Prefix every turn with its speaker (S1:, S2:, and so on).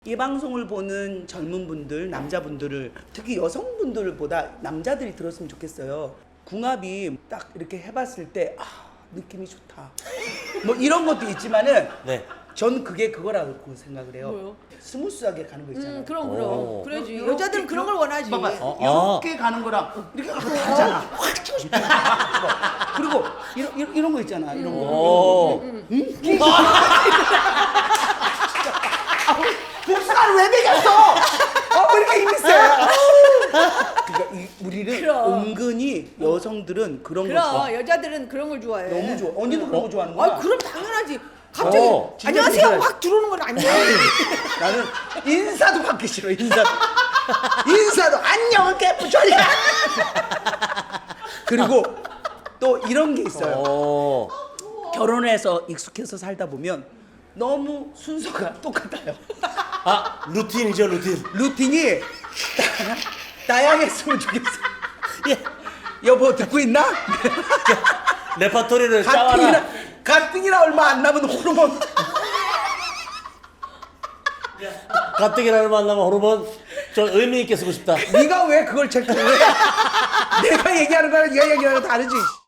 S1: 이 방송을 보는 젊은 분들, 남자분들을 특히 여성분들보다 남자들이 들었으면 좋겠어요. 궁합이 딱 이렇게 해봤을 때 느낌이 좋다. 뭐 이런 것도 있지만은
S2: 네.
S1: 전 그게 그거라고 생각을 해요.
S3: 뭐요?
S1: 스무스하게 가는 거 있잖아요.
S3: 그럼
S2: 오.
S3: 그래야지.
S1: 요렇게,
S3: 여자들은 그런 걸 원하지.
S1: 봐봐, 이렇게 가는 거랑 이렇게 가면 다르잖아. 확 치고 싶다. 그리고 이런 거 있잖아. 이런 거.
S2: 오.
S1: 복숭아를 왜 먹였어? 왜 이렇게 힘이 세? 그러니까 우리는
S3: 그럼.
S1: 은근히 여성들은 그런 거 좋아.
S3: 그럼 여자들은 그런 걸 좋아해.
S1: 너무 좋아. 언니도 그런 거 좋아하는구나.
S3: 그럼 당연하지. 갑자기
S1: 진짜
S3: 안녕하세요
S1: 그래.
S3: 확 들어오는 건 아니야.
S1: 나는 인사도 받기 싫어. 인사도 안녕은 깨뿌절이야. 그리고 또 이런 게 있어요.
S2: 오.
S1: 결혼해서 익숙해서 살다 보면 너무 순서가 똑같아요.
S2: 아, 루틴이죠, 루틴.
S1: 루틴이 다양했으면 좋겠어.
S2: 예.
S1: 여보 듣고 있나?
S2: 레퍼토리를 짜와라.
S1: 가뜩이나 얼마 안 남은 호르몬.
S2: 가뜩이나 얼마 안 남은 호르몬 좀 의미 있게 쓰고 싶다.
S1: 네가 왜 그걸 체크해? 내가 얘기하는 거랑 네가 얘기하는 거 다르지.